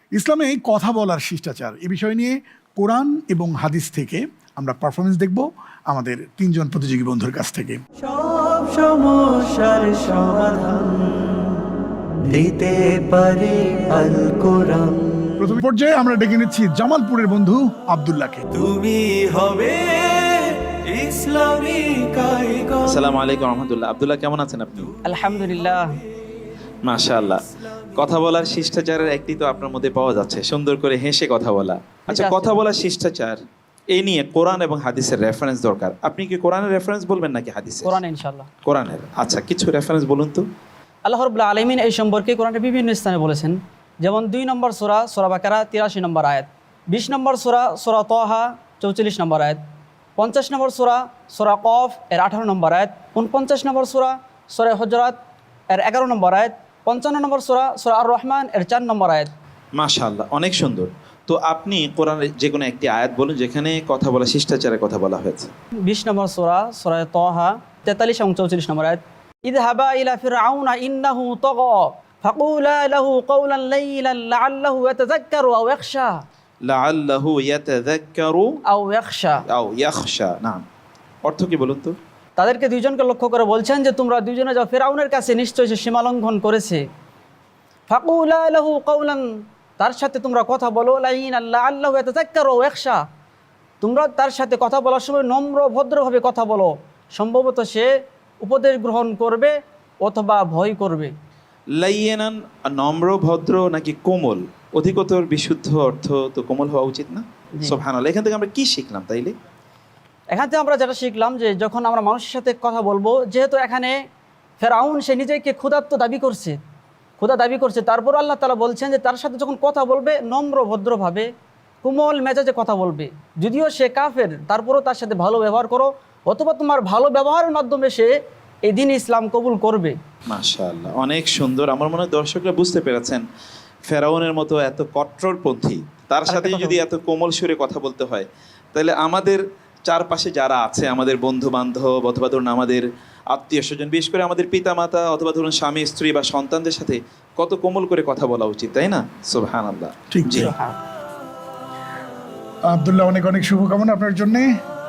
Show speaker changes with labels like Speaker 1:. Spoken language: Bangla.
Speaker 1: ইসলামে কথা বলার শিষ্টাচার এই বিষয় নিয়ে কোরআন এবং হাদিস থেকে আমরা পারফরমেন্স দেখব আমাদের তিনজন প্রতিযোগী বন্ধুর কাছ থেকে।
Speaker 2: সব সমস্যার সমাধান দিতে পারে আল কোরআন।
Speaker 1: প্রথম পর্যায়ে আমরা ডেকে নিচ্ছি জামালপুরের বন্ধু আব্দুল্লাহকে।
Speaker 2: তুমি হবে ইসলামী কারিগর।
Speaker 3: আসসালামু আলাইকুম রহমতুল্লাহ। আব্দুল্লাহ, কেমন আছেন আপনি?
Speaker 4: আলহামদুলিল্লাহ।
Speaker 3: মাশাআল্লাহ। কথা বলার শিষ্টাচারের একটি তো আপনার মধ্যে পাওয়া যাচ্ছে, সুন্দর করে হেসে কথা বলা। আচ্ছা,
Speaker 4: আছে।
Speaker 3: কথা বলার শিষ্টাচার এই নিয়ে কোরআন এবং হাদিসের রেফারেন্স দরকার। আপনি কি কোরআনের রেফারেন্স বলবেন নাকি হাদিসের?
Speaker 4: কোরআন ইনশাআল্লাহ।
Speaker 3: কোরআনের। আচ্ছা, কিছু রেফারেন্স বলুন তো।
Speaker 4: আল্লাহ রাব্বুল আলামিন এই সম্পর্কে কোরআনের বিভিন্ন স্থানে বলেছেন, যেমন 2 নম্বর সূরা সূরা বাকারা 83 নম্বর আয়াত, 20 নম্বর সূরা সূরা তাহা 44 নম্বর আয়াত, 50 নম্বর সূরা সূরা কফ এর 18 নম্বর আয়াত, 49 নম্বর সূরা সূরা হুজুরাত এর 11 নম্বর আয়াত, 55 নম্বর সূরা সূরা আর রহমান এর 4 নম্বর আয়াত।
Speaker 3: মাশাআল্লাহ, অনেক সুন্দর। তো আপনি কোরআনের যে কোনো একটি আয়াত বলুন যেখানে কথা বলা শিষ্টাচারের কথা বলা হয়েছে।
Speaker 4: 20 নম্বর সূরা সূরা তাহা 43 এবং 44 নম্বর আয়াত, ইযহাবা ইলা ফিরআউনা ইন্নাহু তাগা ফাকুলা লাহু কাওলান লাইয়িনান লাআল্লাহু ইয়াতাযাক্কারু আও ইয়াখশা
Speaker 3: লাআল্লাহু ইয়াতাযাক্কারু
Speaker 4: আও ইয়াখশা।
Speaker 3: আও ইয়াখশা। নাম অর্থ কি বলুন তো?
Speaker 4: তাদেরকে দুইজনকে লক্ষ্য করে বলছেন যে তোমরা দুইজনে যাও ফিরআউনের কাছে, নিশ্চয়ই সে সীমালঙ্ঘন করেছে। ফাকুলা লাহু কাওলান, তার সাথে তোমরা কথা বলো, লাইয়িনান লাআল্লাহু ইয়াতাযাক্কারু আও ইয়াখশা, তোমরা তার সাথে কথা বলার সময় নম্র ভদ্রভাবে কথা বলো, সম্ভবত সে উপদেশ গ্রহণ করবে অথবা ভয় করবে।
Speaker 3: লাইয়েনান নম্র ভদ্র নাকি কোমল? অধিকতর বিশুদ্ধ অর্থ তো কোমল হওয়া উচিত না?
Speaker 4: জি।
Speaker 3: সুবহানাল্লাহ। এখান থেকে আমরা কি শিখলাম তাইলে?
Speaker 4: এখান থেকে আমরা যেটা শিখলাম যে যখন আমরা মানুষের সাথে কথা বলবো, যেহেতু এখানে ফেরাউন সে নিজেকে ক্ষুধার্ত দাবি করছে, তারপর আল্লাহ তাআলা বলছেন যে তার সাথে যখন কথা বলবে নম্র ভদ্রভাবে কোমল মেজাজে কথা বলবে। যদিও সে কাফের, তারপরও তার সাথে ভালো ব্যবহার করো, অথবা তোমার ভালো ব্যবহারের মাধ্যমে সে এই দিন ইসলাম কবুল করবে।
Speaker 3: মাশাআল্লাহ, অনেক সুন্দর। আমার মনে হয় দর্শকরা বুঝতে পেরেছেন ফেরাউনের মতো এত কট্টরপন্থী, তার সাথে যদি এত কোমল সুরে কথা বলতে হয়, তাহলে আমাদের চারপাশে যারা আছে, আমাদের বন্ধু বান্ধব অথবা ধরুন আমাদের আত্মীয় স্বজন, বিশেষ করে আমাদের পিতামাতা অথবা ধরুন স্বামী স্ত্রী বা সন্তানদের সাথে কত কোমল করে কথা বলা উচিত, তাই না? সুবহানাল্লাহ।
Speaker 1: ঠিক
Speaker 3: জি।
Speaker 1: আব্দুল্লাহ, অনেক অনেক শুভকামনা আপনার জন্যে।